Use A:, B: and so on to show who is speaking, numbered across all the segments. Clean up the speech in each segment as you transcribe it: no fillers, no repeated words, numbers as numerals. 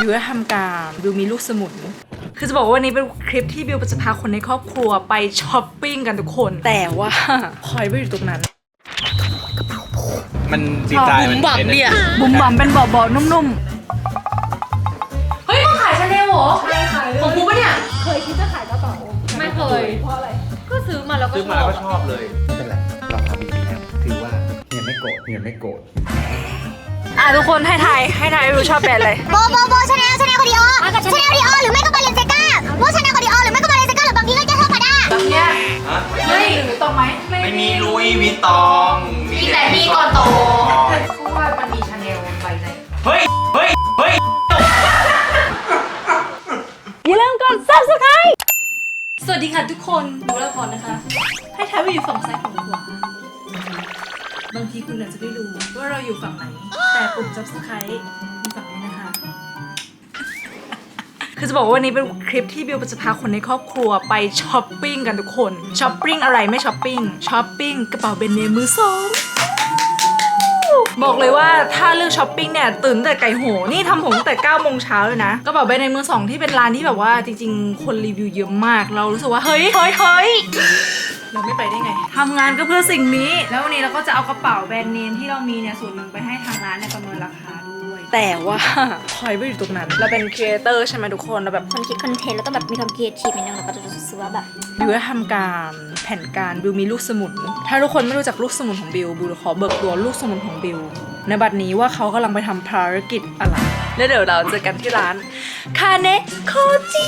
A: บิวจะทำการบิวมีลูกสมุนคือจะบอกว่าวันนี้เป็นคลิปที่บิวจะพาคนในครอบครัวไปช้อปปิ้งกันทุกคนแต่ว่าพลอยไม่อยู่ตรงนั้น
B: มันดีไซน์มันบุ๋มบั๋มเนี่ย
A: บุ๋มบั๋มเป็นเบาๆนุ่มๆเฮ้ยมาขายชาแนลเหรอใช่ขายเลยของกูปะเนี่ยเคยคิดจะขายกระเป๋าไม่เคยเพราะอะไรก็ซื้อมาแล้วก็
B: ชอบเลย
C: ไม่เป็นไรเราทำดีแล้วถือว่าเฮียไม่โกรธเฮียไม่โกรธ
A: ทุกคนให้ทายบิวชอบแบรนด์อะไร
D: โบชาแนลคอดิออชาแนลคอดิออหรือไม่ก็บาเลนเซก้าโบชาแนลคอดิออหรือไม่ก็บาเลนเซก้าหรือบางทีก็แค่เท่ากันได้
A: แบบเนี้ยเฮ้ยหรือตรงไหม
B: ไม่มีลุยวิตตอง
D: มีแต่มีก่อนโต
A: เพราะว่ามันมีชาแนลใบใน
B: เฮ้ย
A: อย่าลืมกด Subscribe สวัสดีค่ะทุกคนดูแล้วพอนะคะให้ทายว่าอยู่ฝั่งซ้ายฝั่งขวาบางทีคุณอาจจะไม่รู้ว่าเราอยู่ฝั่งไหนแต่ปุ่ม Subscribe มีฝั่งนี้นะคะคือจะบอกว่าวันนี้เป็นคลิปที่บิวจะพาคนในครอบครัวไปช้อปปิ้งกันทุกคนช้อปปิ้งอะไรไม่ช้อปปิ้งกระเป๋าแบรนด์เนมมือสองบอกเลยว่าถ้าเลือกช้อปปิ้งเนี่ยตื่นแต่ไก่โหนี่ทำผมตั้งแต่9 โมงเช้าเลยนะกระเป๋าแบรนด์เนมมือสองที่เป็นร้านที่แบบว่าจริงๆคนรีวิวเยอะมากเรารู้สึกว่าเฮ้ยเราไม่ไปได้ไงทำงานก็เพื่อสิ่งนี้แล้ววันนี้เราก็จะเอากระเป๋าแบรนด์เนมที่เรามีเนี่ยส่วนหนึ่งไปให้ทางร้านเนี่ยประเมินราคาด้วยแต่ว่าพลอยไม่อยู่ตรงนั้นเราเป็นครีเอเตอร์ใช่ไหมทุกคนเราแบบ
D: คนคิดคอนเทนต์แล้วก็แบบมีความครีเอทีฟนิดนึงแล้วก็จะรู้สึกว่าแบบ
A: บิวจะทำการแผนการบิวมีลูกสมุนถ้าทุกคนไม่รู้จักลูกสมุนของบิวขอเบิกตัวลูกสมุนของบิวในบัดนี้ว่าเขากำลังไปทำภารกิจอะไรแล้วเดี๋ยวเราเจอกันที่ร้านคาเนโคจิ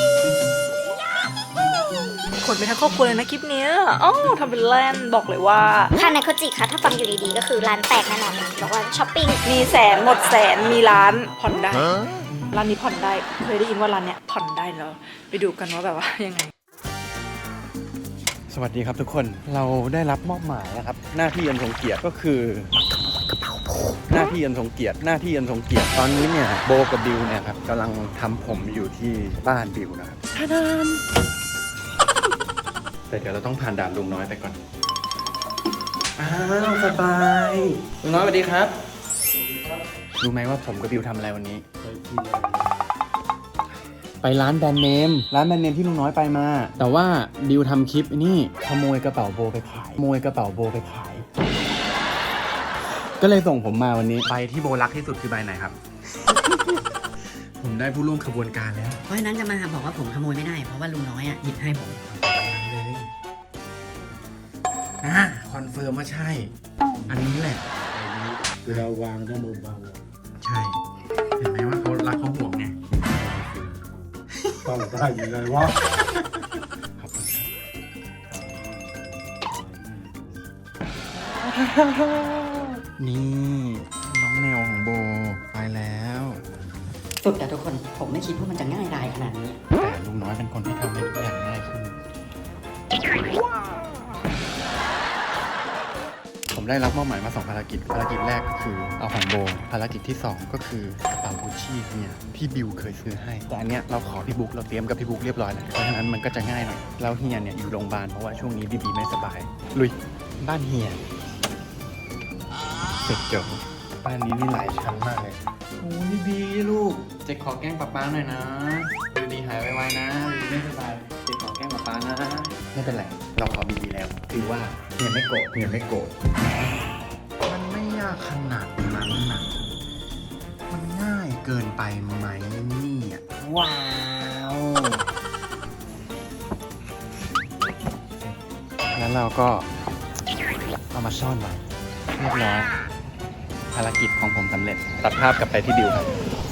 A: คนไปทั้งครอบครัวเลยนะคลิปเนี้ยทำเป็นแลนบอกเลยว่า
D: คาเนโคจิค่ะถ้าฟังอยู่ดีๆก็คือร้านแตกแน่นอนบอกว่าช้อปปิ้ง
A: มีแสนหมดแสนมีร้านผ่อนได้ร้านนี้ผ่อนได้เคยได้ยินว่าร้านเนี้ยผ่อนได้แล้วไปดูกันว่าแบบว่ายังไง
C: สวัสดีครับทุกคนเราได้รับมอบหมายนะครับหน้าที่อันทรงเกียรติก็คือหน้าที่อันทรงเกียรติตอนนี้เนี่ยโบกับบิวเนี่ยครับกำลังทำผมอยู่ที่บ้านบิวนะครับแต่เดี๋ยวเราต้องผ่านด่านลุงน้อยไปก่อนสบายลุงน้อยสวัสดีครับรู้ไหมว่าผมกับบิวทำอะไรวันนี้ไปร้านแบรนด์เนมที่ลุงน้อยไปมาแต่ว่าบิวทำคลิปนี่ขโมยกระเป๋าโบไปขายก็เลยส่งผมมาวันนี้ใบที่โบรักที่สุดคือใบไหนครับ ผมได้ผู้ร่วมขบวนการแล้ว
E: เพราะฉะนั้นจะมาบอกว่าผมขโมยไม่ได้เพราะว่าลุงน้อยหยิบให้ผม
C: เลยคอนเฟิร์มว่าใช่อันนี้แหละ
F: เวลาวางต้องเบา
C: ๆใช่เห็นไหมว่าเขารักเขาห่วงไง
F: ต้องได้ยังไงวะ
C: ขอบคุณนี่น้องแนวของโบไปแล้ว
E: สุดแต่ทุกคนผมไม่คิดว่ามันจะง่ายดายขนาดนี้
C: แต่ลุงน้อยเป็นคนที่ทำให้ทุกอย่างง่ายขึ้นผมได้รับมอบหมายมา2 ภารกิจแรกก็คือเอาของโบภารกิจที่2ก็คือกระเป๋ากุชชี่เนี่ยที่บิวเคยซื้อให้แต่อันเนี้ยเราขอพี่บุ๊กเราเตรียมกับพี่บุ๊กเรียบร้อยแล้วเพราะฉะนั้นมันก็จะง่ายหน่อยแล้วเฮียเนี่ยอยู่โรงพยาบาลเพราะว่าช่วงนี้บีไม่สบายลุยบ้านเฮียเสร็จจบบ้านนี้นี่หลายชั้นมากเลยโอ้ยบีลูกเจ๊ขอแกล้งป๊าหน่อยนะบีหายไวๆนะบีไม่สบายเจ๊ขอแกล้งป๊านะไม่เป็นไรเราขอบีแล้วถือว่าเฮียไม่โกรธมันไม่ยากขนาดนั้นนะมันง่ายเกินไปไหมนี่ว้าวแล้วเราก็เอามาซ่อนไว้เรียบร้อยภารกิจของผมสำเร็จตัดภาพกลับไปที่บิวครับ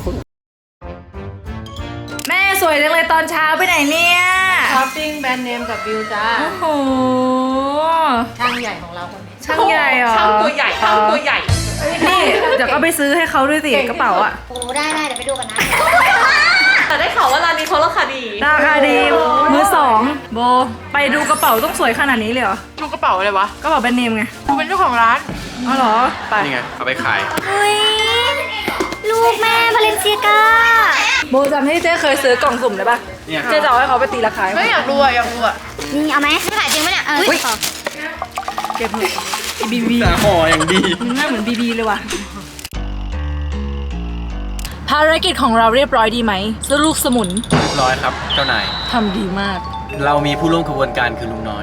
A: แม่สวยจังเลยตอนเช้าไปไหนเนี่ย
G: ช้อปปิ้งแบรนด์เนมกับบิวจ้า
A: โอ้โห
G: ช่างใหญ่ของเราคนนี้
A: ช่างใหญ่เหรอ
G: ช่างตัวใหญ่
A: นี่เดี๋ยวก็ไปซื้อให้เขาด้วยสิกระเป๋าอ่ะ
D: โอ้ได้เดี๋ยวไปดูกันนะ
G: แต่ได้ข่าวว่าร้านนี้เขาราคาดี
A: มือสองโบไปดูกระเป๋าต้องสวยขนาดนี้เลยเหรอ
G: ดูกระเป๋าอะไรวะ
A: กระเป๋าแบรนด์เนมไง
G: ดูเป็นเจ้าของร้าน
A: อ๋อเหรอไป
C: นี่ไงเอาไปขาย
D: เฮ้ยลูกแม่บาเลนเซียก้า
A: โบจำที่เจ๊เคยซื้อกล่องสุ่มได้ปะเจ๊จะเอาให้เขาไปตีราคา
G: ไม่อยากรู้อ่ะ
D: นี่เอาไหมขายจริงไหมเนี่ย
A: เก็บเถอะบี
C: แต่ห่ออย่างดี
A: หน้าเหมือนบีเลยว่ะภภารกิจของเราเรียบร้อยดีไหมลูกสมุน
C: เรียบร้อยครับเจ้านาย
A: ทำดีมาก
C: เรามีผู้ร่วมขบวนการคือลุงน้อย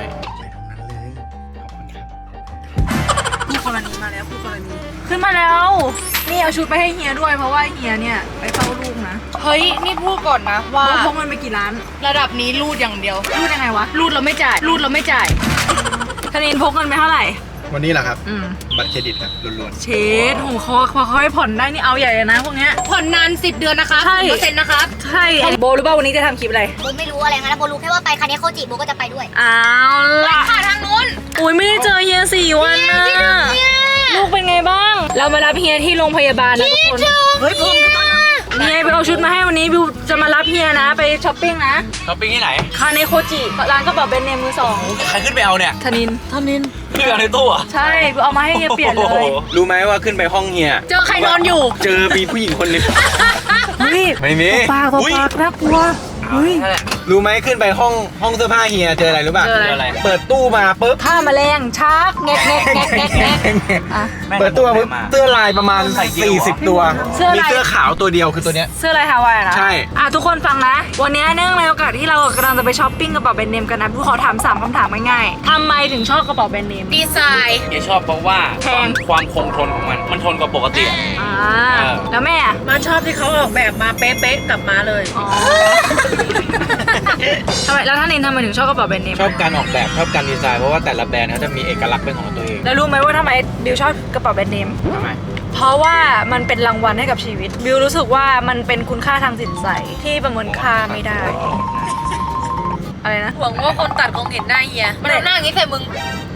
A: ผู้กรณีมาแล้วผู้กรณีขึ้นมาแล้ว นี่เอาชุดไปให้เฮียด้วยเพราะว่าเฮียเนี่ยไปเฝ้าลูกนะ
G: เฮ้ย นี่พูดก่อนนะว่า
A: พกมันไปกี่ล้าน
G: ระดับนี้รูดอย่างเดียว
A: รูดยังไงวะ
G: รูดเราไม่จ่าย รูดเราไม่จ่าย
A: ธนินพกเงินไปเท่าไหร่
C: วันนี้แหละครับ
A: อืม
C: บัตรเครดิตครับล้วน
A: เชดโหเขาให้ผ่อนได้นี่เอาใหญ่เลยนะพวกเนี้ย
G: ผ่อนนาน10 เดือนนะคะ
A: ใช่
G: 0%นะครับ
A: ใช่โบรู้ป่าววันนี้จะทำคลิปอะไร
D: โบไม่รู้อะไรงั้นนะโบรู้แค่ว่าไปคาเนโคจิโบก็จะไปด้วย
A: เอาล่ะ
G: ค่ะทางนู้น
A: อุ้ยไม่ได้เจอเฮีย4 วันนะลูกเป็นไงบ้าง เรามารับเฮียที่โรงพยาบาลนะทุกคนเฮ้ยผมเฮียไปเอาชุดมาให้วันนี้บิวจะมารับเฮียนะไปช้อปปิ้งนะ
B: ๆช้อปปิ้งที่ไหน
A: คาเนโคจิร้านกระเป๋าแบรนด์เนมมือสอง
B: ใครขึ้นไปเอาเนี่ย
A: ธนิน
B: ขึ้นไปเอาในตู้เหรอ่ะ
A: ใช่บิวเอามาให้เฮียเปลี่ยนเลย
C: ๆ รู้ไหมว่าขึ้นไปห้องเฮีย
G: เจอใครนอนอยู่
C: เจอมีผู้หญิงคนหนึง
A: เฮ้ย
C: ไม่มี
A: ปากต่อ
C: อุ๊ย
A: ปากน่ากลัวเฮ้ย
B: นั่นแหละ
C: รู้ไหมขึ้นไปห้องเสื้อผ้าเฮียเจออะไรรู้ป่ะ
A: เจออะไร
C: เปิดตู้มาปุ๊บ
A: ถ้าแมลงชักแงกแงกแงกแงกแงกอ่ะ
C: เปิดตู้มาปุ๊บเสื้อลายประมาณ
B: ใส่กี่ตัว
C: 40 ตัว
A: เสื้อลาย
C: มีเสื้อขาวตัวเดียวคือตัวเนี้ย
A: เสื้อลายฮาวายนะ
C: ใช่
A: ทุกคนฟังนะ วันนี้เนื่องในโอกาสที่เรากำลังจะไปช้อปปิ้งกระเป๋าแบรนด์เนมกันนะพี่ขอถาม3คำถามง่ายๆทำไมถึงชอบกระเป๋าแบรนด์เนม
G: ดีไซน์
B: เฮียชอบเพราะว่า
A: แพง
B: ความคงทนของมัน มันทนกว่าปกติอะ
A: แล้วแม่อะ
G: มาชอบที่เขาออกแบบมาเป๊ะๆกลับมาเลย
A: อ๋อ ทำไมแล้วท่านนินทำไมถึงชอบกระเป๋าแบรนด์เนม
C: ชอบการออกแบบชอบการดีไซน์เพราะว่าแต่ละแบรนด์เขาจะมีเอกลักษณ์เป็นของตัวเอง
A: แล้วรู้ไหมว่าทำไมบิวชอบกระเป๋าแบรนด์เนม
C: ทำไม
A: เพราะว่ามันเป็นรางวัลให้กับชีวิต บิวรู้สึกว่ามันเป็นคุณค่าทางจิตใจที่ประเมินค่าไม่ได้ อะไรนะ
G: หวังว่าคนตัดคงเห็นหน้าเฮีย มันเอาหน้าอย่างนี้ใส่มึง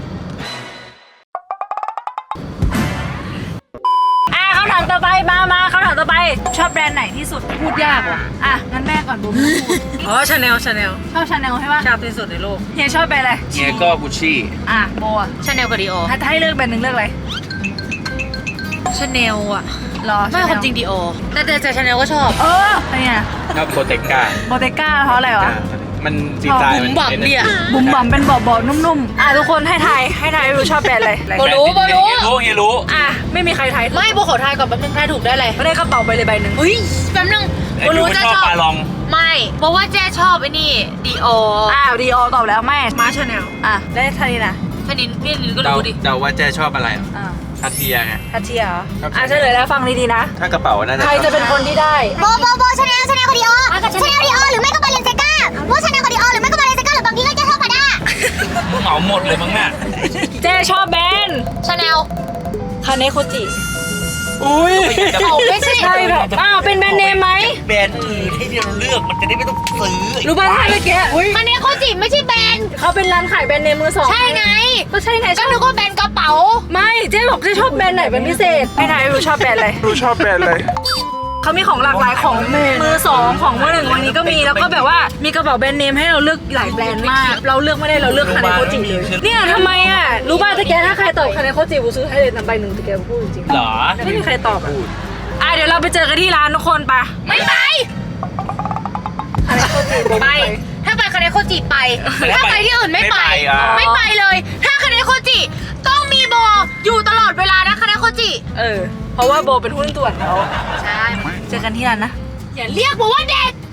A: คำถามต่อไปมาคำถามต่อไป ชอบแบรนด์ไหนที่สุดพูดยากว่ะงั้นแม่ก่อนบูมพูด
G: อ๋อชาแนล
A: ชอบชาแนลใช่ปะ
G: ชอบที่สุดในโลก
A: เฮียชอบแบรนด์อะไร
B: เฮียก็กุชชี่
A: โบอะ
G: ชาแนลกับดีโอ
A: ถ้าให้เลือกแบรนด์หนึ่งเลือกอะไร
G: ชาแนลอ่ะ
A: รอ
G: ไม่ความจริงดีโอแต่ชาแนลก็ชอบ
A: อะไรเนี่ย
C: ชอบโบเตก้า
A: โบเตก้าเพราะอะไรวะ
C: มันดีไซน์
G: บุ๋มบั่มเนี่ย
A: บุ๋มบอมเป็นเบาๆนุ่มๆทุกคนให้ทายบิวชอบแบรนด์อะไร
G: โบรู้
B: เฮียรู้
A: ไม่มีใครทาย
G: ไม่โบขอทายก่อนแป๊บนึงทายถูกได้เลย
A: ไม่ได้กระเป๋าไปเลยใบหนึ่ง
G: เฮ้ยแป๊บนึงโบรู้จะ
B: ชอบ
G: ชอบ
B: ปลาลอง
G: ไม่เพราะว่าแจ้ชอบไอ้นี่ดีโอ
A: ดีโอตอบแล้วไม่
G: มาชาแนล
A: ได้ทานีนะ
G: ชนินพี่ลินก็
C: เดา
G: รู้ดิ
C: เดาว่าแจ้ชอบอะไรคาเทียไง
A: ทัชเชียเหรอ
C: ครับ
A: เฉลยแล้วฟังดีๆนะ
C: ถ้ากระเป๋าน่าจะ
A: ใครจะเป็นคนที่ได้
D: โบชาแนลกับดีโอชาแนลดีโอหรือไม่ก็บาเลนเซก้าโบชาแนลกับดีโอหรือไม่ก็บาเลนเซก้าหรือบางทีก็จะเท่ากันได้
B: เหมาหมดเลยมั้งเนี่ย
A: เจ๊ชอบแบรนด์
G: ชาแนล
A: คาเนโคจิ
C: อุ้ย
G: เขาไม่ใช่
A: ใช่แบบเป็นแบรนด์เนมไหม
B: แบรนด์อื่นให้เราเลือกมันจะได้ไม่ต้องซื้อ
A: รู้ป่ะถ้าเมื่อกี้
G: คาเนโคจิไม่ใช่แบรนด์
A: เขาเป็นร้านขายแบรนด์เนมมือสอง
G: ใช่ไง
A: ก็ใช่ไง
G: ก็นึกว่าแบรนด์กระเป๋า
A: ไม่เจ๊บอกเจ๊ชอบแบรนด์ไหนเป็นพิเศษให้ทายดูชอบแบรนด์อะไร
C: ดูชอบแบรนด์เลย
A: เขามีของหลากหลายของมือสองของมือหนึ่งวันนี้ก็มีแล้วก็แบบว่ามีกระเป๋าแบรนด์เนมให้เราเลือกหลายแบรนด์มาก เราเลือกไม่ได้เราเลือกคาเนโคจิเลยเนี่ยทำไมรู้ป่ะตะแกถ้าใครตอบคาเนโคจิบูซื้อให้เลยใบหนึ่งตะแกพูดจริง
B: เหรอ
A: ไม่มีใครตอบเดี๋ยวเราไปเจอกันที่ร้านทุกคนปะ
G: ไม่ไป
A: คาเนโคจิ
G: ไป ถ้าไปคาเนโคจิไป ถ้าไปที่อื่นไม่ไป ไม่ไปเลย ถ้าคาเนโคจิต้องมีโบอยู่ตลอดเวลานะคาเนโคจิ
A: เพราะว่าโบเป็นหุ้นส่วนเขา
G: ใช่
A: เจอกันที่ร้านนะ
G: อย่าเรียกโบว่าเด็ก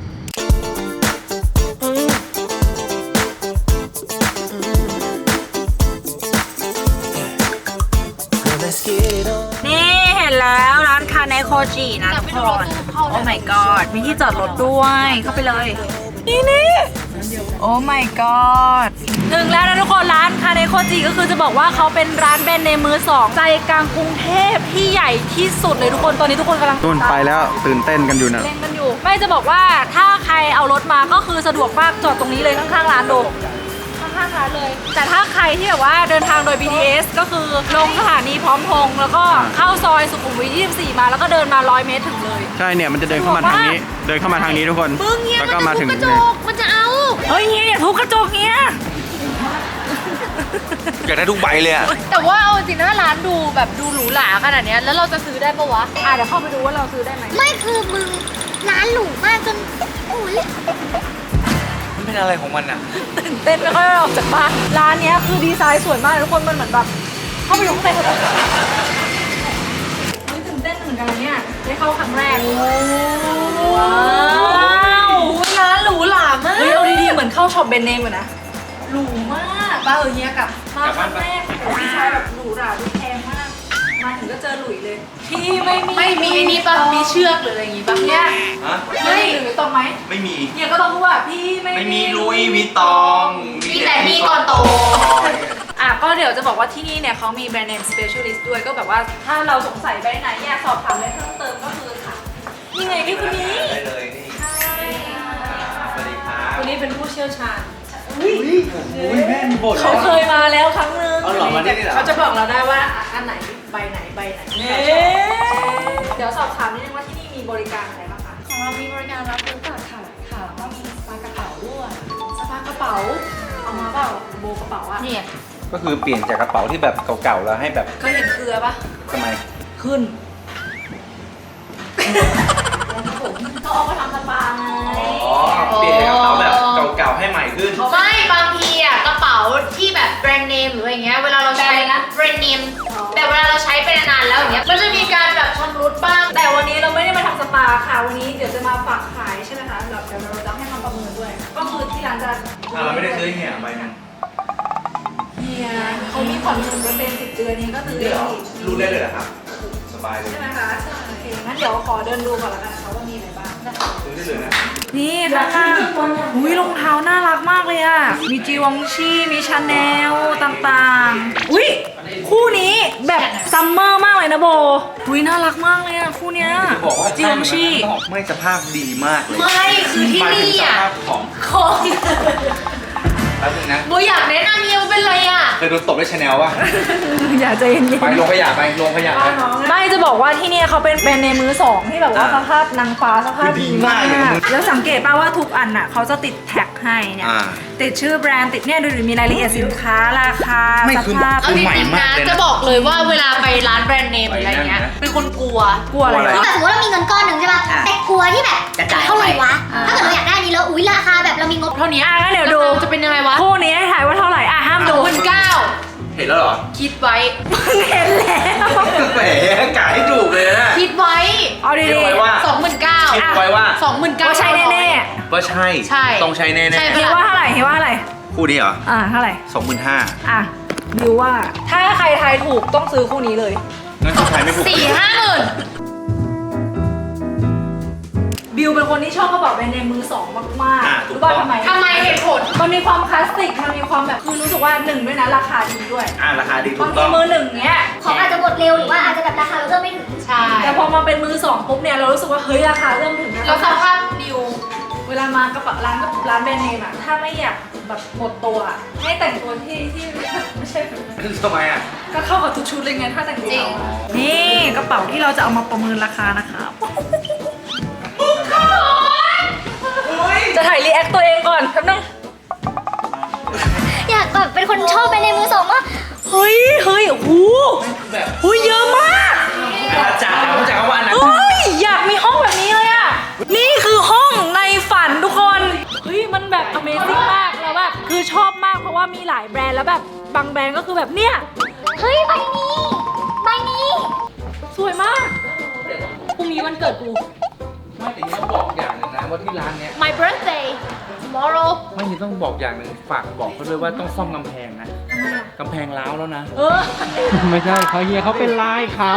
A: นี่เห็นแล้วร้านคาเนโคจินะทุกคนโอ้ my god มีที่จอดรถด้วยเข้าไปเลย นี่โอ้ my god ถึงแล้วนะทุกคนร้านคาเนโคจิก็คือจะบอกว่าเขาเป็นร้านแบรนด์เนมมือสองใจกลางกรุงเทพที่ใหญ่ที่สุดเลยทุกคนตอนนี้ทุกคนกำลัง
C: นู่นไปแล้วตื่นเต้นกันอยู่นะ
A: เล่นกันอยู่ไม่จะบอกว่าถ้าใครเอารถมาก็คือสะดวกมากจอดตรงนี้เลยข้างๆร้านดูข้างๆร้านเลย แต่ถ้าใครที่แบบว่าเดินทางโดย BTS ก็คือลงสถานีพร้อมพงษ์แล้วก็เข้าซอยสุขุมวิท 24 มาแล้วก็เดินมา100 เมตรถึงเลย
C: ใช่เนี่ยมันจะเดินเข้ามาทางนี้ เดินเข้ามาทางนี้ทุกคน
G: มึงเงี้ย
C: แล้ว
G: มัน
C: ก็
G: จะ
C: มา
G: ทุ
C: ถึ
G: บ
C: ง
G: กระจก มันจะเอา
A: เฮ้ยเฮียอย่าทุบกระจกเฮีย
B: อยากได้ทุกใบเลยอะ
G: แต่ว่าเอาจริงนะร้านดูแบบดูหรูหราขนาดเนี้ยแล้วเราจะซื้อได้ปะวะ
A: เดี๋ยวเข้าไปดูว่าเราซื้อได้ไหม
D: ไม่คือมึงร้านหรูมากจนโอ้ย
B: มันเป็นอะไรของมันอะ
A: ตื่นเต้นไม่ค่อยออกจากบ้านร้านเนี้ยคือดีไซน์สวยมากทุกคนมันเหมือนแบบเข้าไปอยู่ข้างในเขาแบบตื่นเต้นเหมือนกันกันนะเนี่ยได้เข้าครั้งแรกว้าวร้านหรูหรามากเฮ้ยเอาดีๆเหมือนเข้าช็อปแบรนด์เนมอะนะหรูมากป้าเฮียกลับมาครั้งแรกพี่ชายแบบหรูหราดูแพงมากมาถึงก็เจอหลุยเลยพี่ไม่มีไอ้นี่ปะมีเชือกหรืออะไรอย่างงี้ปะเนี่ย
B: ฮะ
A: ไม่หรือตรงไหม
B: ไม่มี
A: เนี่ยก็ต้องพูดว่าพี่ไม่
B: ไม่มีลุยวิตตอง
G: มีแต่มีก่อนโต
A: อ่ะก็เดี๋ยวจะบอกว่าที่นี่เนี่ยเขามีแบรนด์เนม specialist ด้วยก็แบบว่าถ้าเราสงสัยแบรนด์ไหนอยากสอบถามอะไรเพิ่มเติมก็คือค่ะนี่ไงพี่คนนี้
B: ได้เลยนี่สวัสดีครับ
A: คนนี้เป็นผู้เชี่ยวชาญ
C: อุ้ยแม่มีบท
A: เขาเคยมาแล้วครั้งนึง
C: เอาหรอมาได้เหรอ
A: เขาจะบอกเราได้ว่าอันไหนใบไหนเดี๋ยวสอบถามนิดนึงว่าที่นี่มีบริการอะไรบ้างคะ
H: ของเรามีบริการรับซื้อฝากขายค่ะแล้วก็มีสปากระเป๋าด้วย
A: สภากระเป๋าเอามาเปล่าโบกระเป๋าอะ
G: เนี่ย
B: ก็คือเปลี่ยนจากกระเป๋าที่แบบเก่าๆแล้วให้แบบ
A: เคยเห็นเกลือปะ
B: ทำไม
A: ขึ้นเขาเอามาทำสปาไง
B: เปลี่ยนจากกระเป๋าแบบเก่าๆให้ใหม่ขึ้น
G: ไม่บางทีอ่ะกระเป๋าที่แบบแบรนด์เนมหรืออะไรเงี้ยเวลาเราใช้นะแบรนด์เนมแต่เวลาเราใช้ไปนานๆแล้วอย่างเงี้ยมันจะมีการแบบชำรุดบ้าง
A: แต่วันนี้เราไม่ได้มาทำสปาค่ะวันนี้เดี๋ยวจะมาฝากขายใช่ไหมคะเดี๋ยวเราจะให้มาประเมินด้วย ก็คือที่ร้านจะ
B: เราไม่ได้ซื้อเนี่ยใบนึง
A: เฮียเขามีผ่อน1%10 เดือนนี้ก็ซื้อได้อีก
B: รู้ได้เลยเหรอครับ สบายเลย
A: ใช่ไหมคะโอเคงั้นเดี๋ยวขอเดินดูก่อนละกันนะคะว่ามีอะไรบ้าง
B: ซื้อได้เลยนะ
A: นี่ค่ะอุ้ยรองเท้าน่ารักมากเลยอ่ะ มีจีวองชี่มีชาแนลต่างๆ อุ้ยคู่นี้แบบซัมเมอร์มากเลยนะโบอุ้ยน่ารักมากเลยอ่ะคู่เนี้ย
B: บอกว่า
A: จีวองชี่
B: ไม่สภาพดีมากเลย
G: ไม่คือที่
B: หมายถึง
G: นี่
B: ส
G: อ่ะ
B: ภาพของ
G: ของ
B: แป๊บนึงนะ
G: โบอยากแนะนำเมียเป็นไรอ่ะ
B: เคยโดนตบด้วยชาแนลป่ะ
A: อย่าใจเย็น
B: ไปโรงขยะไปโรงขยะไป
A: ๆไม่จะบอกว่าที่เนี่ยเขาเป็นแบรนด์ในมือสองที่แบบว่าสภาพนางฟ้าสภาพ
B: คือดี
A: ดี
B: มาม
A: าก
B: เลยนะ
A: กแล้วสังเกตป่ะว่าทุกอันอ่ะเขาจะติดแท็กให้เนี่ย
B: อ่า
A: ติดชื่อแบรนด์ติดเนี่ยดูดิมีรายละเอียดสินค้าราคา
B: ไม่
A: ส
B: คือ
A: ภาพ
G: เอาจริงๆนะจะบอกเลยว่าเวลาไปร้านแบรนด์เนมหรืออะไรเงี้ยเป็นคนกลัว
A: กลัวอะไร
B: กลัวอะไร
A: วะ
D: แต่สมมติเรามีเงินก้อนหนึ่งใช่ป่ะแต่กลัวที่แบบเท่าไหร่วะ ถ้าเกิดเราอยากได้อันนี้แล้วอุ้ยราคาแบบเรามีงบ
G: เท่านี้
A: อ่ะงั้นเดี๋ยวดู
G: จะเป็นยังไงวะ
A: คู่นี้ให้ถ่ายว่าเท่าไหร่อ่ะห้ามดู
G: 19,000
B: เห็นแล้วเหรอ
G: คิดไว้
A: เห็นแล้ว
B: แหมกะให้ถูกเลยนะ
G: คิดไว้
A: เอาดี
B: คิดไว้ว่า
G: 29,000
B: คิดไว้ว่า
G: 29,000
A: ว่าใช่แน่
B: ว่าใช่
G: ใช่
B: ต้องใช้แน่
G: ใช่
A: ๆคิดว่าเท่าไหร่คิดว่าเท่าไหร่
B: ๆคู่นี้เหรอ
A: เท่าไหร่
B: 25,000
A: อ่ะบิวว่าถ้าใครทายถูกต้องซื้อคู่นี้เลย
B: งั้นคุณทายไม่ถูก
G: 4-5 หมื่น
A: บิวเป็นคนที่ชอบกระเป๋าแบรนด์เนมมือสองมาก
B: อ่ะ
A: ๆ
B: ถูก
A: รู้ป่ะ
B: ต้อง
A: ทำไม
G: เหตุผล
A: มันมีความคลาสสิกมันมีความแบบคือรู้สึกว่าหนึ่งด้วยนะราคาดีด้วย
B: ราคาดีถู
A: บาง
B: ก
A: ที
B: ต้อง
A: มือหนึ่งเนี้ย
D: ของอาจจะหมดเร็วหรือว่าอาจจะแบบราคาเราเริ่มไม่ถึง
G: ใช่
A: แต่พอมาเป็นมือสองปุ๊บเนี่ยเรารู้สึกว่าเฮ้ยราคาเริ่มถึงนะ
G: แล้วสภาพดิว
A: เวลามากระเป๋าร้านแบรนด์เนมอะถ้าไม่อยากแบบหมดตัวอะให้แต่งตัวที่ไม่ใช่
B: ทำไมอ่ะ
A: ก็เข้ากับทุกชุดเลยไงถ้าแต่งตัวนี่กระเป๋าที่เราจะเอามาประเมินราคานะคะจะถ่ายรีแอคตัวเองก่อนแป๊บนึง
D: อยากแบบเป็นคนชอบไปในมือสองว่า
A: เฮ้ยโอ้โห
B: แบบ
A: เฮ้ยเยอะมาก
B: อาจารย์เขาจะเอาว่าอันนั้น
A: เฮ้ยอยากมีห้องแบบนี้เลยอะนี่คือห้องในฝันทุกคนเฮ้ยมันแบบ Amazing มากแล้วแบบคือชอบมากเพราะว่ามีหลายแบรนด์แล้วแบบบางแบรนด์ก็คือแบบเนี่ย
D: เฮ้ยใบนี้ใบนี้
A: สวยมากพรุ่งนี้วันเกิดกู
B: ไม่แต่ยังต้องบอกอย่างหนึ่งนะว่าที่ร้านเนี้ย
G: My birthday tomorrow
B: ไม่ยังต้องบอกอย่างหนึ่งฝากบอกเขาด้วยว่าต้องซ่อมกำแพงนะกำแพงร้าวแล้วนะ
C: ไม่ใช่เขาเฮียเขาเป็นลายเขา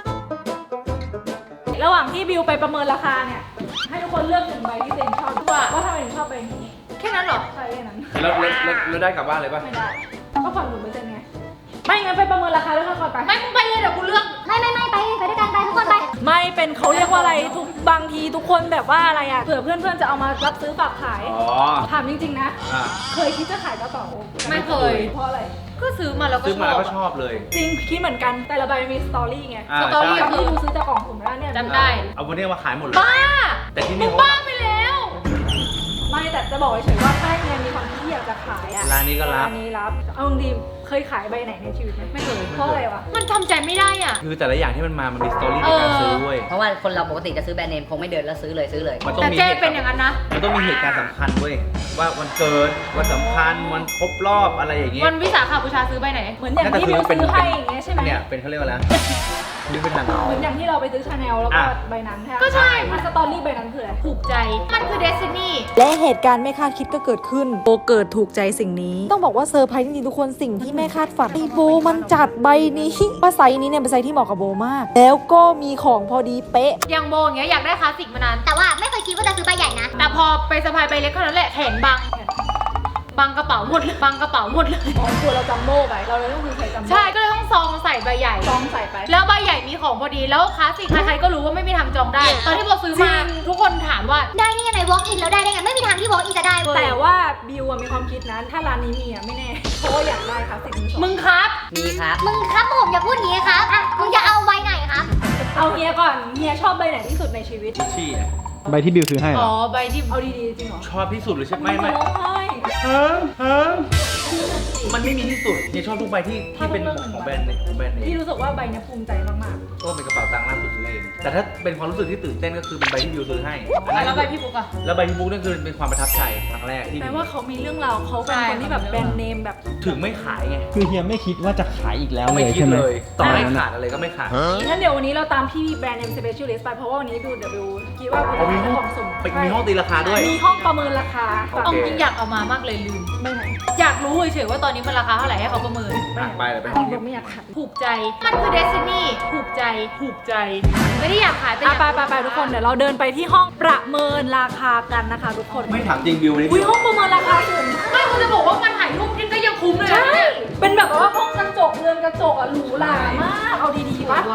A: ระหว่างที่บิวไปประเมินราคาเนี่ย ให้ทุกคนเลือกหนึ่งใบที่ตัวเองชอบว่าทำไมถึงชอบใบนี้
G: แค่นั้นเหรอ
A: ใช่แค่นั้น
B: แล้วได้กลับบ้านเลยป่ะ
A: ไม่ได้ ก็ผ่อน1%ไง ไม่งั้นไปประเมินราคาด้วยกันก่อนไป
G: ไม่มึงไปเลยเดี๋ยวกูเลือก
D: ไม่ไปด้วยกันไปทุกคนไป
A: ไม่เป็นเขาเรียกว่าอะไรทุกบางทีทุกคนแบบว่าอะไรอ่ะเผื่อเพื่อนๆจะเอามารับซื้อฝากขาย
B: อ๋อ
A: ถามจริงๆนะ
B: อ่ะ
A: เคยคิดจะขายกระเป๋า
G: ไม่เคย
A: เพราะอะไร
G: ก็ซื้อมาแล้วก็
B: ซื้อ
G: ช
B: มา
G: อ
B: แล้ว
G: บ
B: ก็ชอบเลย
A: จริงคิดเหมือนกันแต่ละใบมันมีสตอรี่ไง
B: อ่า
G: สตอรี่
B: ใช่
A: ที่ดูซื้อจากกล่องสุ่มแล้วเนี่ย
G: จำได้
B: เอาวันนี้มาขายหมดเลย
G: บ้า
B: แต่ที่
G: มึ
B: นี่
G: ง
B: เขา
G: บ้าไปแล้ว
A: ไม่แต่จะบอกเฉยๆว่าถ้าเนี่ยมีความคิดที่อยากจะขายอ่ะ
B: ร้านนี้ก็รับ
A: ร้านนี้รับเอาจริงๆเคยขายใบไหนในชีวิตไหม
G: ไม่เคย
A: เพราะอะไรวะ
G: มันทำใจไม่ได้อ่ะ
B: คือแต่ละอย่างที่มันมา มันมีสตอรี่ในการซื้อเว้ย
E: เพราะว่าคนเราปกติจะซื้อแบรนด์เนมคงไม่เดินแล้วซื้อเลย
B: มันต้อง
G: แต่
B: มี
G: เจ๊
B: เหตุ
G: เป็นอย่างนั้นนะ
B: มันต้องมีเหตุการณ์สำคัญเว้ย ว่าวันเกิด วันสำคัญ วันครบรอบอะไรอย่างเงี้ย
G: วันวิสาขบูชาซื้อไปไหน
A: เหมือนอย่างที่บิวซื้อให้อย่างเงี้ยใช่ไหม
B: เนี่ยเป็นเขาเรียกว่าอะไรนะนึกไม่ทัน
A: เหมือนอย่างที่เราไปซื้อชาแนลแล้วก็
B: อ่ะ
A: ใบนั้นใช่ไหม
G: ก็ใช่
A: สตอรี่ใบนั้นคืออะไร
G: ถูกใจ มันคือเดซินี่
A: และเหตุการณ์ไม่คาดคิดก็เกิดขึ้นโบเกิดถูกใจสิ่งนี้ ต้องบอกว่าเซอร์ไพรส์จริงๆทุกคนสิ่งที่แม่คาดฝันไอโบมันจัดใบนี้ว่าไซส์นี้เนี่ยเป็นไซส์ที่เหมาะกับโบมาก แล้วก็มีของพอดีเป๊ะ
G: อย่างโบอย่างเงี้ยอยากได้คลาสสิกมานาน
D: แต่ว่าไม่เคยคิดว่าจะซื้อใบใหญ่นะ
G: แต่พอไปสะพายใบเล็กเท่านั้นแหละแขนบังกระเป๋าหมดเลยบังกระเป๋าหมดเลย
A: ของตัวเราจัมโบ้ไปเราเลยต้องคือใช้จัมโบ้
G: ใช่ก็เลยต้องซองใส่ใบใหญ่
A: ซองใส่ไป
G: แล้วใบใหญ่มีของพอดีแล้วคลาสสิกใครๆก็รู้ว่าไม่มีทางจองได้ ตอนที่โบซื้อมาทุกคนถามว่า
D: ได้นี่ยังไง walk in แล้วได้ไง ไม่มีทางที่ walk in จะได้เว้ย
A: แต่ว่าบิวอะมีความคิดนั้นถ้าร้านนี้มีอะไม่แน่เพราะว่าอยากได้ครับสิ่งนี้
G: มึงครับ
E: มีครับ
D: มึงครับผมอย่าพูดอย่างนี้ครับอ่ะมึงจะเอาใบไหนครับ
A: เอาเฮียก่อนเฮียชอบใบไหนที่สุดในชีวิต
B: ชี่อะ
C: ใบที่บิวซื้อให้เหร
G: อ๋อ
C: อ
G: ใบที่
A: เอาดีๆจริงเหรอ
B: ชอบที่สุดเลยใช่ไหมไม่
A: ร้องไห้
B: มันไม่มีที่สุดเนี่ยชอบทุกใบที่เป็นของแบรนด์ของแบรนด์เน
A: พี่
B: ม
A: รู้สึกว่าใบเนี้ยภูมิใจมาก
B: ก็เป็นกระเป๋าตังค์ล่าสุดซื้อเองแต่ถ้าเป็นความรู้สึกที่ตื่นเต้นก็คือเป็นใบที่บิวซื้อให้อันนั้น
G: แล้วใบพี่ปุ๊กอะ
B: แล้วใบที่บุ๊กนั่นคือเป็นความประทับใจครั้งแรกที่
A: ๆแปลว่าเขามีเรื่องราวเขาเป็นคนที่แบบแบรนด์เนมแบบ
B: ถึงไม่ขายไง
C: คือเฮียไม่คิดว่าจะขายอีกแล้วเล
B: ไม่
C: ย
B: คิด
C: ใช่ไหม
B: เลยต่อให้ขาดอะไรก็ไม่ขาย
A: งั้นเดี๋ยววันนี้เราตามพี่แบรนด์เนม specialist ไปเพราะว่าวันนี้บิวคิดว่าบิว
B: เอามี
A: จะ
B: ห้อง
A: ของสุ่ม
B: มีห้องตีราคาด้วย
A: มีห้องประเมินราคา
B: โอ
G: เอา
B: เค
G: จริงอยากเอามามากเลยลืม
A: ใบไหน
G: อยากรู้เฉยๆว่าตอนนี้มันราคาเท่าไหร่ให้เขาประเมิน
B: อ่ะไปเลยไปห้อง
A: บิ
B: เก็
A: ว
B: บ
A: ไม่อยากขัด
G: ถูกใจ มันคือเดซินี่ถูกใจ ไม่ได้อยากขายแต่อยาก
A: ไปทุกคนเดี๋ยวเราเดินไปที่ห้องประเมินราคากันนะคะทุกคน
B: ไม่ถามจริงบิวนี่
A: อุ้ยห้องประเมินราคาสูง
G: ไม่คุณจะบอกว่ามันถ่ายรูปที่ก็ยังคุ้มเลยนะ
A: ใช่
G: เนี่ย
A: เป็นแบบว่าห้องกระจกเรือนกระจกอะหรูหรามากเอาดีๆวะ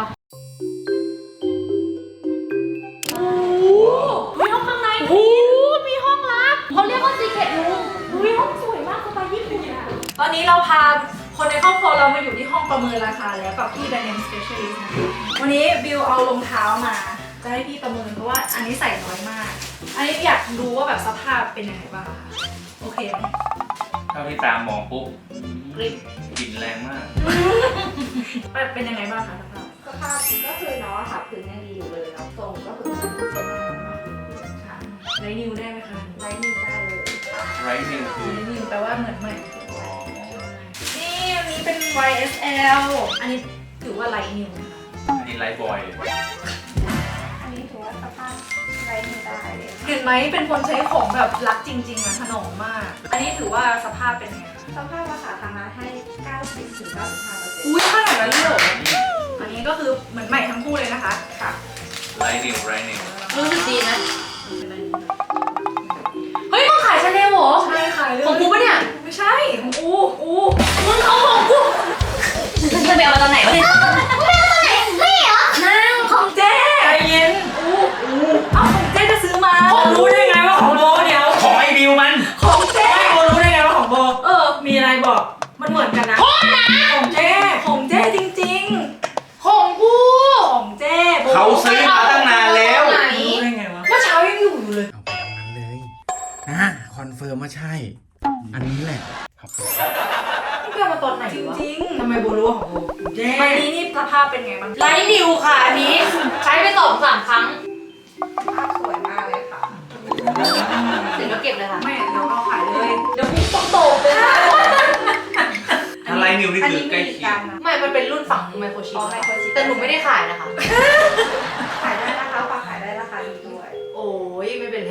A: มีห้องข้างใน
G: โอ้โหมีห้องลับเขาเรียกว่าซีเคทรูม
A: อุ้ยห้องสวยมากสไตล์ญี่ปุ่นอะตอนนี้เราพาคนในครอบครัวเรามาอยู่ที่ห้องประเมินราคาแล้วกับพี่แบรนด์เนม specialist นะคะวันนี้บิวเอารองเท้ามาจะให้พี่ประเมินเพราะว่าอันนี้ใส่น้อยมาก อันนี้อยากดูว่าแบบสภาพเป็นยังไงบ้างค่ะโอเคไหม
B: เท่าที่ตามมองปุ๊บกลิ่นแรงมาก
A: เป็นยังไงบ้างคะสภาพ
H: สภาพก็คือน้องค่ะพื้นยังดีอยู่เลยแล้วทรงก็คือใช้งานมากที่สำคัญ
A: ไรนิวได้ไหมคะ
H: ไร้นิ้วได้เลย
B: ไรนิวคือ
A: ไรนิวแปลว่าเหมือนใหม่นี่อันนี้เป็น YSL อันนี้ถือว่าไรนิวนะคะ
B: อันนี้ไรบอย
H: อันนี้ถือว่าสภาพไร้นิ้วได้เลย
A: เห็นไหมเป็นคนใช้ของแบบรักจริงๆอะถนอมมาก อันนี้ถือว่าสภาพเป็นไงคะ
H: สภาพราคาทางร้านให้ 90-95%
A: อุ้ยขนาดนั้นเลยเหรออันนี้ก็คือเหมือนใหม่ทั้งคู่เลยนะคะค่ะ
B: ไรนิวไรนิว
G: รู้สึกดีนะ เฮ้ยมึงขายชาแนลเหรอ
A: ใช่ค่ะ
G: ของกูปะเนี่ย
A: ไม่ใช่ของอู
G: มึงเอาของกูมึงจะไปเอามาตอนไหนวะเนี่ย
A: ของเจ๊ใจเย็นเอาของเจ๊จะซื้อมา
E: รู้ได้ไงว่าของโบเดี๋ยว
B: ของไอ้บิวมัน
A: ของเจ๊
E: โบรู้ได้ไงว่าของโบ มีอะไรบอก
A: มันเหมือนกันนะ
E: ของเจ๊
A: ของเจ๊จริง
G: ของกู
A: ๆ ของเจ๊โบ
B: เขาซื้อมาตั้งนานแล้ว
G: ไหน
E: รู้ได้ไงวะ
G: เมื่อเช้ายังอยู่เลย
C: เอาไปตรงนั้นเลยนะคอนเฟิร์มว่าใช่ อันนี้แหละครับ
G: พี่เอามาตอนไหน
A: จ
G: วะ
A: ริง
E: ทำไมโบรู้ว่าของโบเจ๊
A: ๆใบนี้นี่สภาพเป็นไงบ้าง
G: ไลท์นิวค่ะอันนี้ ใช้ไป2-3 ครั้ง
H: ภาพสวยมากเลยค่ะ
G: เสร็จแล้วเก็บเลยค่ะ
A: ไม่เดี๋ยวเอาขายเลย เดี๋ยวพี่ต้องโตกเลยนะ
B: ถ้าไรนิวนี่
H: อัน
B: คือ
H: นี้
B: ใกล้
H: มี
B: เคีย
H: กาง รนะ
G: ไม่ มันเป็นรุ่นฝังไมโครชิป
H: อ๋อไมโครชิป
G: แต่หนูไม่ได้ขายนะคะ
H: ขายได้นะคะฝากขายได้ราคาดีด้วย
G: โอ้ยไม่เป็นไร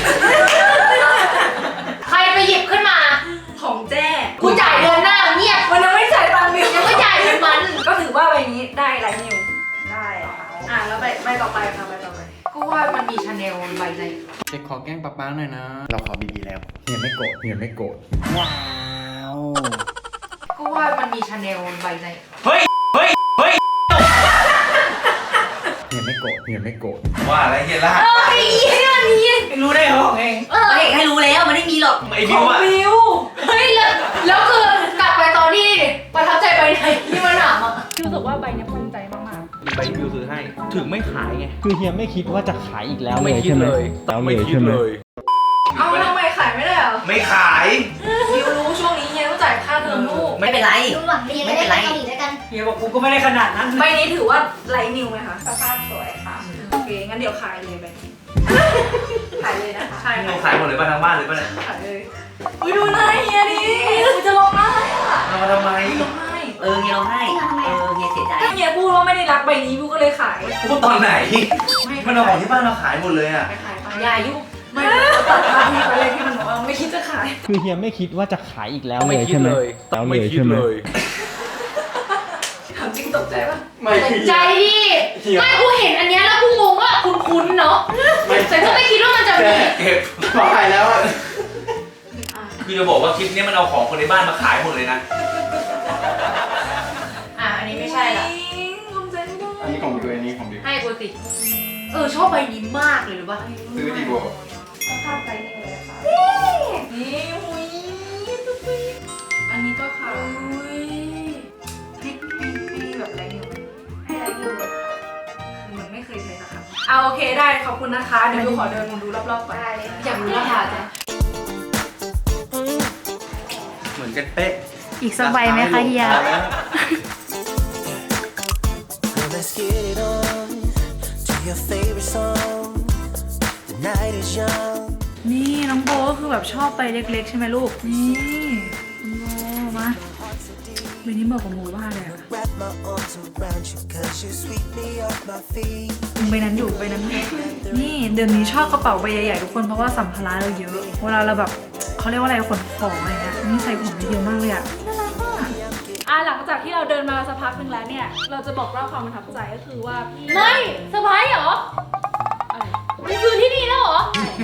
G: ใครไปหยิบขึ้นมา
A: ของเจ๊
G: กูจ่ายเดือนหน้าเงียบ
A: มันยังไม่จ่ายตังค์บิว
G: ยังไม่จ่ายเงินมัน
A: ก็ถือว่าใบนี้ได้ไรนิว
H: ได้ค่ะ
A: แล้วใบต่อไปค่ะใบต่อไป
G: กูว่ามันมีชาแนลใบไหน
C: เจ๊ขอแกล้งป๊าหน่อยนะ เราขอบีบีแล้วเฮียไม่โกรธเฮียไม่โกรธว้าว
G: กูว่ามันมีชาแนลใบไหน
B: เฮ้ย เฮ้ย เฮ้ย
C: เฮียไม่โกรธเฮียไม่โกรธ
B: ว่าอะไรเฮียล่ะ
E: รู้ได้ไงว่าของเอง
G: เอกให้รู้แล้วมันไม่มีหรอก
B: ไอ้บิวอะ
A: บิว
G: เฮ้ยแล้วคือกลับไปตอนที่ประทับใจใบไหนที่มันถามอ่ะ
A: พี่รู้สึกว่าใบเนี้ยภูมิใจมาก
B: ใบที่บิวซื้อให้ ถึงไม่ขายไง
C: คือเฮียไม่คิดว่าจะขายอีกแล้ว
B: ไม่คิดเลย
C: แล้ว
B: ไม่
C: เลย
B: คิด
C: ใช่ไหม
B: เลย
A: ๆ เอาทำไมขายไม่ได้เหรอ
B: ไม่ขาย
A: บิวรู้ช่วงนี้เฮียต้องจ่ายค่าเทอมลูก
E: ไม่เป็นไร
D: ดูหวังดีจะได้ไปเกาหลีด้วยกัน
E: เฮียบอกกูก็ไม่ได้ขนาดนั้น
A: ใบนี้ถือว่าไรนิวไหมคะ
H: สภาพสวยค่ะ
A: โอเค งั้นเดี๋ยวขายเลยใบนี้
H: ขายเลยนะคะ
A: ใช่
B: เรา
A: ค่ะ
B: ขายหมดเลยป่ะทั้งบ้านเลยป่ะเนี่ย
A: ขายเลยอุ้ยดูหน้าเฮียดิกูจะร้องไห้อะ
B: เอามาทำไม
A: ร้องไห้
E: เฮียร้องไห้เฮียเสียใจ
A: ถ้าเฮียพูดว่าไม่ได้รักใบนี้บิวก็เลยขาย
B: พูดตอนไหน มันเอาของที่บ้านเราขายหมดเลยอ่ะ
A: ขายไปอย่ายุ่งไม่ตัดภาพนี้ไปเลยที่มันบอกว่าไม่คิดจะขาย
C: คือเฮียไม่คิดว่าจะขายอีกแล้ว
B: ไม่
C: เลย
B: คิด
C: ใช่ไหม
B: เลย
C: แล้ว
B: ไม่
C: เลย
B: คิด
C: ใช่ไหม
B: เลย
A: ถามจริงตกใจปะ
C: ไม่
G: ใจดิไม่กูเห็นอันเนี้ยแล้วกูงงว่าคุ้นๆเนาะแต่ก็ไม่คิดว่ามันจะมี
B: เก็บ
C: ขายแล้วอะ
B: คือจะบอกว่าคลิปนี้มันเอาของคนในบ้านมาขายหมดเลยนะ
G: อันนี้ไม่ใช่ละ
A: ภูมิใจไม่ได้
C: อันนี้ของดิวอันนี้ของดิว
G: ให้กูติชอบใบนี้มากเลยหรือปะ
C: ซื้อดีกว่า
H: ต้องข้ามไปนี่เลยค่ะ
A: นี่หุยอันนี้ก็ขายให้แบบแรงอยู่ไหม
H: ให้อะไรอยู่เลยค่ะ
A: เหมือนไม่เคยใช้นะคะเอาโอเคได้ขอบคุณนะคะ เดี๋ยวบิวขอเดินดูรอบๆก่อน
H: ได้เลย
A: อยากรู้ราคาจ้ะ
B: เหมือนกันเป๊ะ
G: อีกสักใบไหมคะเฮีย
I: Let's get it on to your favorite song. The night is young.
A: นี่น้องโบก็คือแบบชอบไปเล็กๆใช่ไหมลูก นี่น้องโบมาวันนี้บอกกับโบว่าอะไรอะ
I: Wrap my arms around you 'cause you sweep me off my feet.
A: ใบนั้นอยู่ใบนั้นอยู่นี่เดือนนี้ชอบกระเป๋าใบใหญ่ๆทุกคนเพราะว่าสัมภาระเราเยอะ เวลาเราแบบเขาเรียกว่าอะไรขนของอะไรเงี้ยนี่ใส่ของได้เยอะมากเลยอะน่ารักมากหลังจากที่เราเดินมาสักพักหนึ่งแล้วเนี่ยเราจะบอกเล่าความประทับใจก็คือว่าพี่
G: ไม่เซอร์ไพรส์เหรอ
A: อะไร
G: มันคือที่นี่แล้วเหรอ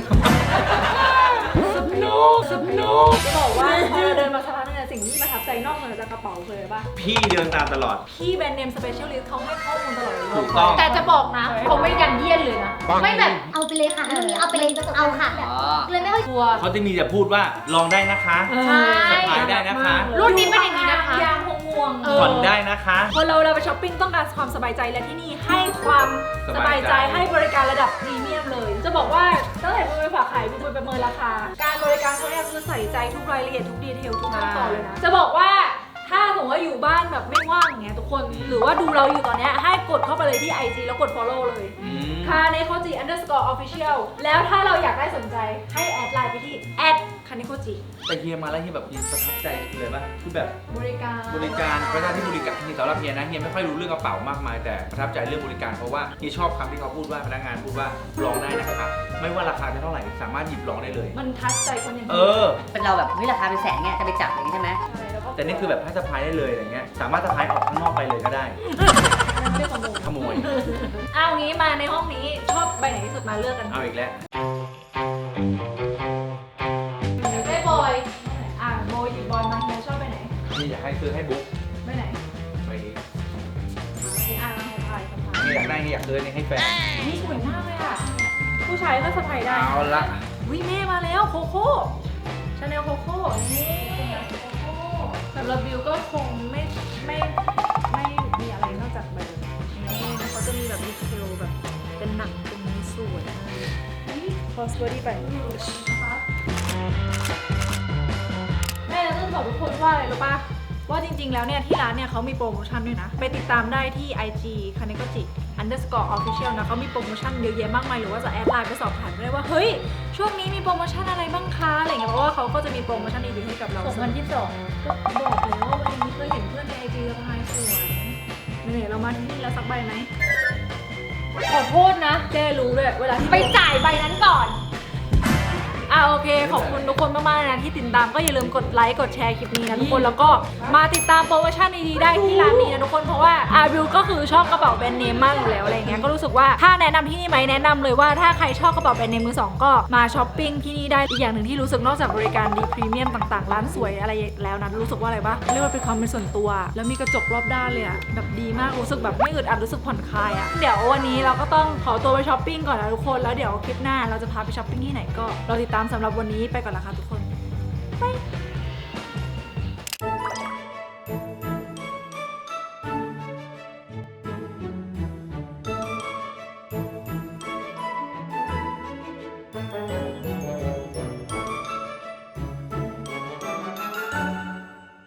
A: จะบอกว่าพอเราเดินมาสักพักนึงเนี่ยสิ่งที่ประทับใจนอกเหนือจากกระเป๋าคืออะไรปะ
B: พี่เดินตามตลอด
A: พี่แบรนด์เนมสเปเชียลิสต์เขาให้ข้อมูลตลอดเลย
B: ถูกต้อง
G: แต่จะบอกนะเขาไม่ยันเยียดเลยนะ ไม่แบบ
D: เอาไปเลยค่ะรุ่นนี้เอาไปเลยเอาค่ะเลยไม่ค่อย
A: ตัว
B: เขาจะมีแต่พูดว่าลองได้นะคะ
G: ใช่
B: สะพายได้นะคะ
G: รุ่นนี้เป็นอย่างนี้นะคะ
A: ยางห่วง
B: ผ่อนได้นะคะ
A: คนเราไปช้อปปิ้งต้องการความสบายใจและที่นี่ให้ความสบายใจให้บริการระดับพรีเมียมเลย จะบอกว่าตั้งแต่บิวไปฝากขายบิวไปประเมินราคา การบริการเขาเนี่ยคือใส่ใจทุกรายละเอียดทุกดีเทลทุกขั้นตอนเลยนะ จะบอกว่าถ้าสมมติว่าอยู่บ้านแบบไม่ว่างอย่างเงี้ยทุกคนหรือว่าดูเราอยู่ตอนเนี้ยให้กดเข้าไปเลยที่ IG แล้วกด follow เลยคาเนโคจิ _official แล้วถ้าเราอยากได้สนใจให้แอดไลน์ไปที่คาเนโคจิ
B: แต่เฮียมาแล้วเฮียแบบประทับใจเลยป่ะคือแบบ
A: บริการ
B: เวลาที่บริการที่สำหรับเฮียนะเฮียไม่ค่อยรู้เรื่องกระเป๋ามากมายแต่ประทับใจเรื่องบริการเพราะว่าเฮียชอบคำที่เขาพูดว่าพนักงานพูดว่าลองได้นะครับไม่ว่าราคาจะเท่าไหร่สามารถหยิบลองได้เลย
A: มันทัชใจคนอย่าง
B: เอ
A: นี้
B: อ
E: เป็นเราแบบเฮ้ยราคาเป็นแสนเนี่ยจะไปจับอย่างนี้ใช่ไหม
A: ใช่แล้วก็
B: แต่นี่คือแบบให้สะพายได้เลยอะไรเงี้ยสามารถสะพายออกข้างนอกไปเลยก็ได้
A: ไม่ได้ขโมย เอางี้มาในห้องนี้ชอบใบไหนที่สุดมาเลือกกัน
B: เอาอีกแล้ว
A: เดี๋ยวได้บอยโบยหยิบบอยมาเฮียชอบใบไหน
B: นี่อยากให้ซื้อให้บุ๊ก
A: ใบไหน
B: ไปนี้
A: นี่มาสะพาย
B: เฮียอยากได้เฮียอยากซื้อนี่ให้แฟน
A: นี่สวยมากเลยอ่ะ ผู้ชายก็สะพายได้
B: เอาละ
A: วิแม่มาแล้วโคโค่ชาแนลโคโค่นี่สำหรับบิวก็คงไม่มีอะไรนอกจากแบบนี้เขาจะมีแบบดีเทลแบบเป็นหนังตรงนี้สวยคอสบอดี้ไปแม่จะบอกทุกคนว่าอะไรรู้ป่ะว่าจริงๆแล้วเนี่ยที่ร้านเนี่ยเขามีโปรโมชั่นด้วยนะไปติดตามได้ที่ IG kanekoji _official นะเขามีโปรโมชั่นเยอะแยะมากมายหรือว่าจะแอดไลน์ไปสอบถามได้ว่าเฮ้ยช่วงนี้มีโปรโมชั่นอะไรบ้างคะอะไรเงี้ยเพราะว่าเขาก็จะมีโปรโมชั่นดีๆให้กับเรา
G: 2022
A: ก็บอกแล้วว่าวันนี้เคยเห็นเพื่อนใน IG สะพายสวยเหนื่อยเรามาที่นี่แล้วสักใบไหม
G: ขอโทษนะ
A: เจ้รู้ด้วยเวลาที่
G: ไปจ่ายใบนั้นก่อน
A: โอเคขอบคุณทุกคนมากๆนะที่ติดตามก็อย่าลืมกดไลค์กดแชร์คลิปนี้นะทุกคนแล้วก็มาติดตามโปรโมชั่นดีๆได้ที่ร้านนี้นะทุกคนเพราะว่าบิวก็คือชอบกระเป๋าแบรนด์เนมมากอยู่แล้วอะไรเงี้ยก็รู้สึกว่าถ้าแนะนำที่นี่ไหมแนะนำเลยว่าถ้าใครชอบกระเป๋าแบรนด์เนมมือสองก็มาช้อปปิ้งที่นี่ได้อีกอย่างหนึ่งที่รู้สึกนอกจากบริการดีพรีเมียมต่างๆร้านสวยอะไรแล้วนะรู้สึกว่าอะไรปะเรียกว่าเป็นความเป็นส่วนตัวแล้วมีกระจกรอบด้านเลยอะแบบดีมากรู้สึกแบบไม่อึดอัดรู้สึกผ่อนคลายอะเดี๋ยววันนี้เราก็ต้องขอตัวไปช้อปปิ้งก่อนนะทุกคนแล้วเดี๋ยวคลิปหน้าเราจะพาไปช้อปปิ้งที่ไหนก็รอติดตามสำหรับวันนี้ไปก่อนละค่ะทุกคน บาย